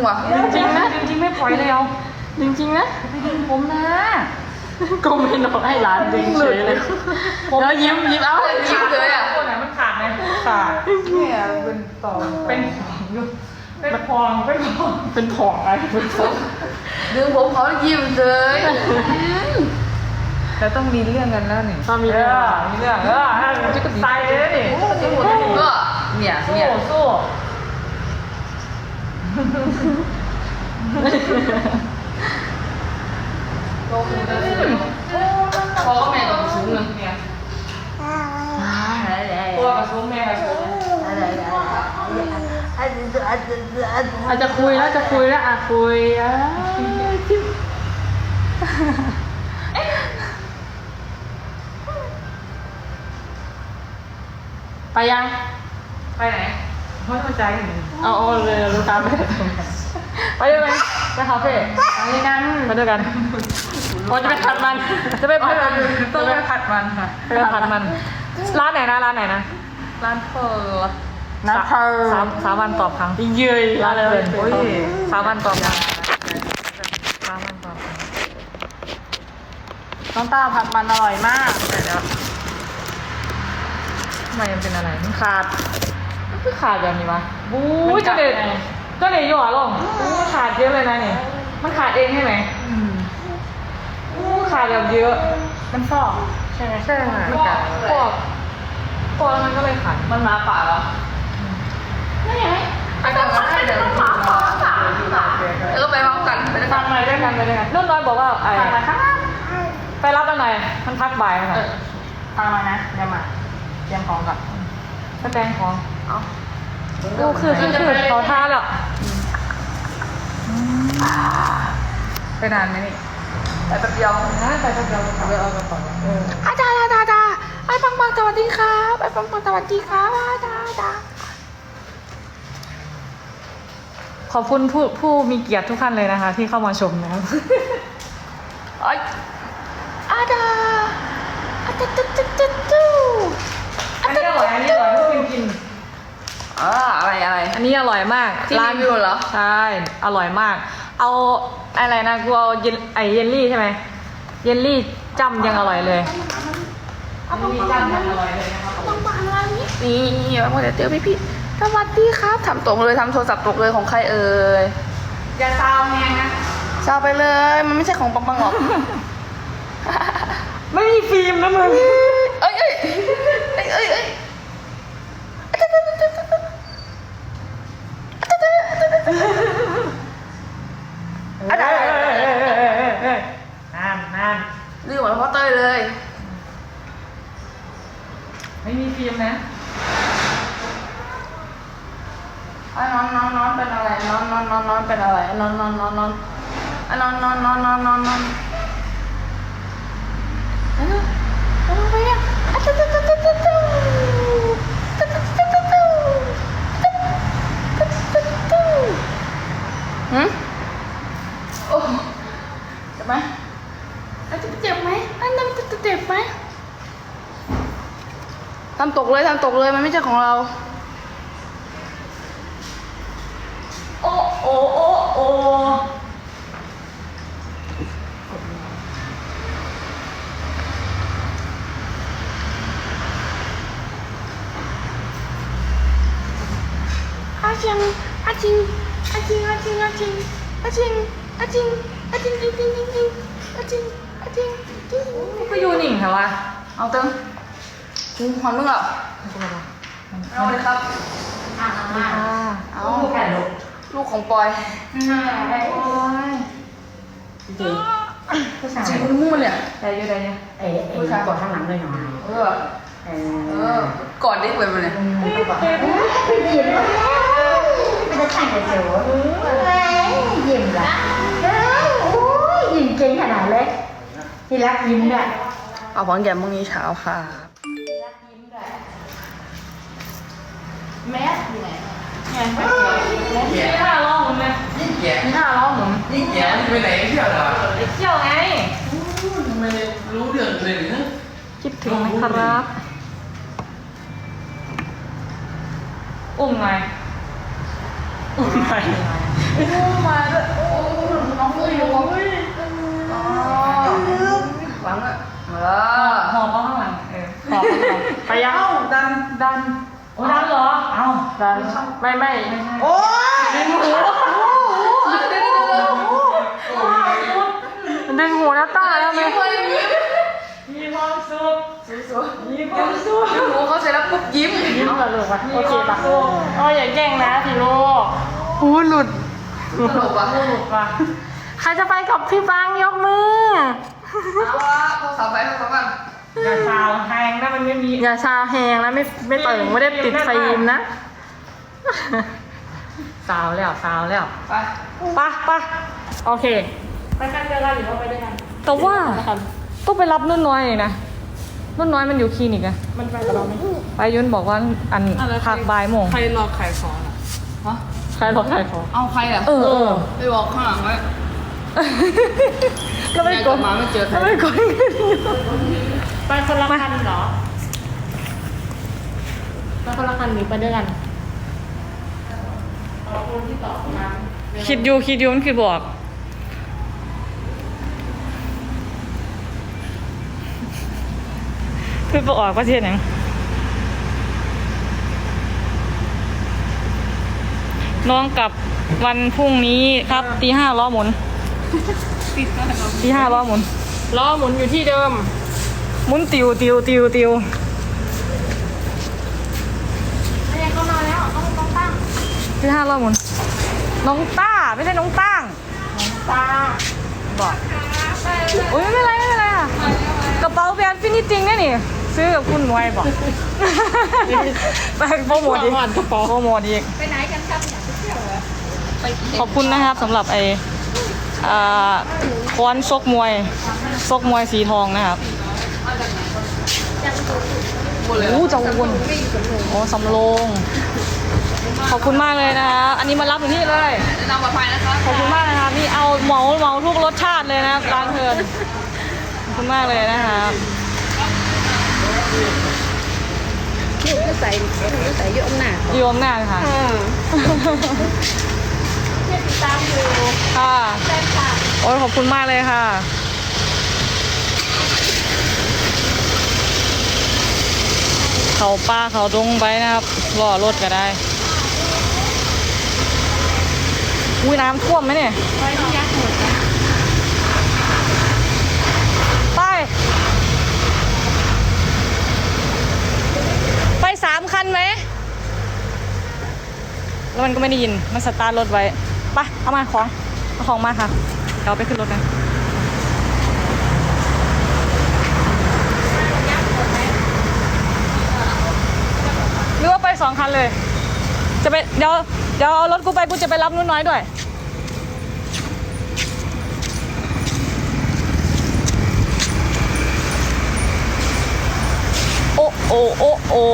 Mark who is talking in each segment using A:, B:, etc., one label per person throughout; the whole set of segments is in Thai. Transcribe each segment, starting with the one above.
A: ว่ะจริงนะจริงไม่ปล่อยเลยเอาจริงนะไม่ดึงผมนะก็ไม่นอนให้ร้านดึงเฉยเลยแล้วยิ้มเอายิ้มเลยอ่ะคนไหนมันขาดไหมขาดเนี่ยเป็นต่อเป็นพองอะไรเป็นพองดึงผมเขายิ้มเลยแล้วต้องมีเรื่องกันแล้วนี่ต้องมีเรื่องจะกระตายเลยนี่ก็เนี่ยสู้พอก็แม่กับสูงเลยเนี่ยตัวกับสูงแม่กับสูงอาจจะคุยแล้วคุยไปยังไปไหนไม่ต้องใจกันเอาเลยรู้ตามไปด้วยไหมไปคาเฟ่ไปด้วยกันพอจะไปผัดมันต้องไปผัดมันค่ะไปผัดมันร้านไหนนะร้านเพอ3 วันตอบครั้งเยอะร้านเลยโอ้ย3 วันตอบครั้งน้องตาผัดมันอร่อยมากเดี๋ยวทำไมมันเป็นอะไรมันขาดแบบนี้วะบู๊ก็เลยหย่อลงขาดเยอะเลยนะนี่มันขาดเองใช่ไหมขาดแบบเยอะมันฟอกใช่ไหมใช่ค่ะมันกัดฟอกแล้วมันก็เลยขาดมันมาป่าเหรอนี่ไงอาจารย์ให้เดี๋ยวแล้วก็ไปพร้อมกันไปด้วยกันนุ่นน้อยบอกว่าไปรับกันหน่อยมันพักบ่ายค่ะฟังมานะเดี๋ยวมาเตรียมของก่อนก็แต่งของดูคือเขาท่าแล้วไปนานไหมนี่ไปแป๊บเดียวนะไปแป๊บเดียวเอากระเป๋าอาจารย์ไอ้ปังสวัสดีครับไอ้ปังสวัสดีครับอาจารย์ขอบคุณผู้มีเกียรติทุกท่านเลยนะคะที่เข้ามาชมนะครับอาจารย์อันนี้อร่อยกินอะไรอันนี้อร่อยมากร้านวิวเหรอใช่อร่อยมากเอาอะไรนะกูเอาเยลลี่ใช่ไหมเยลลี่จ้ำยังอร่อยเลยจ้ำยังอร่อยเลยนะครับต้องมาอะไรนี่มาเดี๋ยวพี่สวัสดีครับทำตรงเลยทำโทรศัพท์ตกเลยของใครเอ่ยอย่าซาวแหงนะซาวไปเลยมันไม่ใช่ของปังหรอกไม่มีฟิล์มนะมึงเอ้ยนั่นลืมหมดพ่อเต้ยเลยไม่มีฟิล์มนะนอนเป็นอะไรนอนเป็นอะไรนอนไปอ่ะโอ้เจ็บไหมเจ็บไหมอันนั้นจะเจ็บไหมทำตกเลยมันไม่ใช่ของเราโอ้อาจิงก็อยู่นิ่งเหรอวะเอาเติมหอนมึงเหรอเอาเลยครับเอาลูกของปอยจริงมึงมันเนี่ยได้เยอะผู้ชายกอดข้างหลังเลยหน่อยกอดได้เว้ยมันเนี่ย
B: ไม่ได้แต่งแต่เสียวยิ้มละยิ้มเก่งขนาดเล็กที่รักยิ้มด้วย
A: เอาของแกมพรุ่งนี้เช้าค่ะ
B: แมสอยู่ไหน
A: นี่5 ล้อหมุนเลยนี่5 ล้อหมุน
C: นี่แกไปไหนเที่ยวเหรอ
A: ไปเที่ยวไง
C: ทำไมรู้เรื่องเลยเนี่ย
A: คิดถึงนะครับอุ้มไงมาด้วยโอ้น้องอยู่
C: อ๋อหวังอ่ะ
A: หอบข้างหลังหอบข้างหลังไปยังดันโอ้ดันเหรอเอ้าดันไม่
B: โอ้ย
A: ดึงหูแล้วตาแล้วไหมมีความสุขมีความสุข
C: หมูเขาเสร็จแล้วปุ๊บยิ้ม
A: ยิ้มเหรอลูกวะโอเคปะอ๋ออย่าแกล้งนะพี่ลูกหูหลุด
C: ตลกว่ะ
A: หลุดว่ะใครจะไปกับพี่ฟังยกมือ
C: เอาละเขาสาวไปเขาสาวกัน
A: อย่าซาวแหงนะมันไม่มีอย่าซาวแหงนะไม่เติ่งไม่ได้ติดฟิล์มนะซาวแล้ว
C: ไป
A: ปะโอเคไปกันเจอกันหรือว่าไปด้วยกันแต่ว่าต้องไปรับนุ่นน้อยนะนุ่นน้อยมันอยู่คลินิกอะมันไปกับเราไหมไปยุ่นบอกว่าอันพักบ่ายโมง
D: ใครรอขายของอ่ะ
C: ฮะ
A: ใครบอกใครขอ
C: เอาใครอ่ะ
A: เออ
C: ไปบอกข้างหลังไว้
A: แล้วไม่กด
C: มาไม่เจอใคร
A: แล้วไม่กด
D: ไปคนละคันเหรอไปคนละคันหรือไปด้วยกันคนที่ตอบมา
A: คิดอยู่มันคือบอกคือบอกออกประเทศไหนน้องกลับวันพรุ่งนี้ครับตี 5ล้อหมุนตี 5ล้อหมุน
D: ล้อหมุนอยู่ที่เดิม
A: หมุนติว
D: ไม่เข้ามาแล้วต้องตั้ง
A: ตี 5ล้อหมุนน้องต้าไม่ใช่น้องตั้ง
D: ตา
A: บอกโอ้ยไม่เป็นไรค่ะกระเป๋าแบรนด์ฟินิจริงเนี่ยนี่ซื้อกับคุณไว้บอกไปโปรโมทอีก
D: กระเป๋า
A: โปรโมทอีก
B: ไปไหนกันครับเนี่ยไปเที่ยวเหรอ
A: ขอบคุณนะครับสำหรับค้อนซกมวยสีทองนะครับ
C: หมดเลย
A: โอ้เจ้าวนโอ้สำโรงขอบคุณมากเลยนะคะอันนี้มารับถึงที่เลย
C: แนะนำปลอดภัยนะคะ
A: ขอบคุณมากนะคะนี่เอาเหมาทุกรสชาติเลยนะครับร้านเทิร์นขอบคุณมากเลยนะครับ
B: หนูก็ใส่เยอะหนา
A: โยมหน้าค่ะ
B: เนี่ยติดตามอยู่
A: ค่ะ
B: แฟนคลับ
A: โอ้ยขอบคุณมากเลยค่ะเขาป้าเขาดงไปนะครับรอรถก็ได้อุ้ยน้ำท่วมไหมเนี่ย
B: ไปที่ยักษ์หมดนะ
A: ไป3 คันไหมแล้วมันก็ไม่ได้ยินมันสตาร์ทรถไว้ไปเอาของมาค่ะเดี๋ยวเอาไปขึ้นรถกันหรือว่าไป2 คันเลยจะไปเดี๋ยวเอารถกูไปกูจะไปรับนุ่นน้อยด้วยโอ้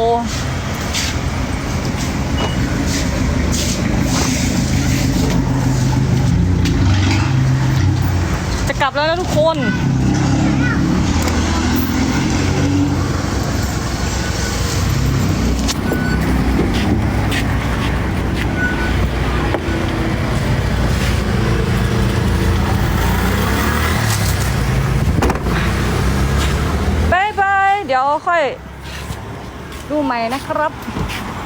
A: จะกลับแล้วนะทุกคนบาย เดี๋ยวค่อยดูใหม่นะครับ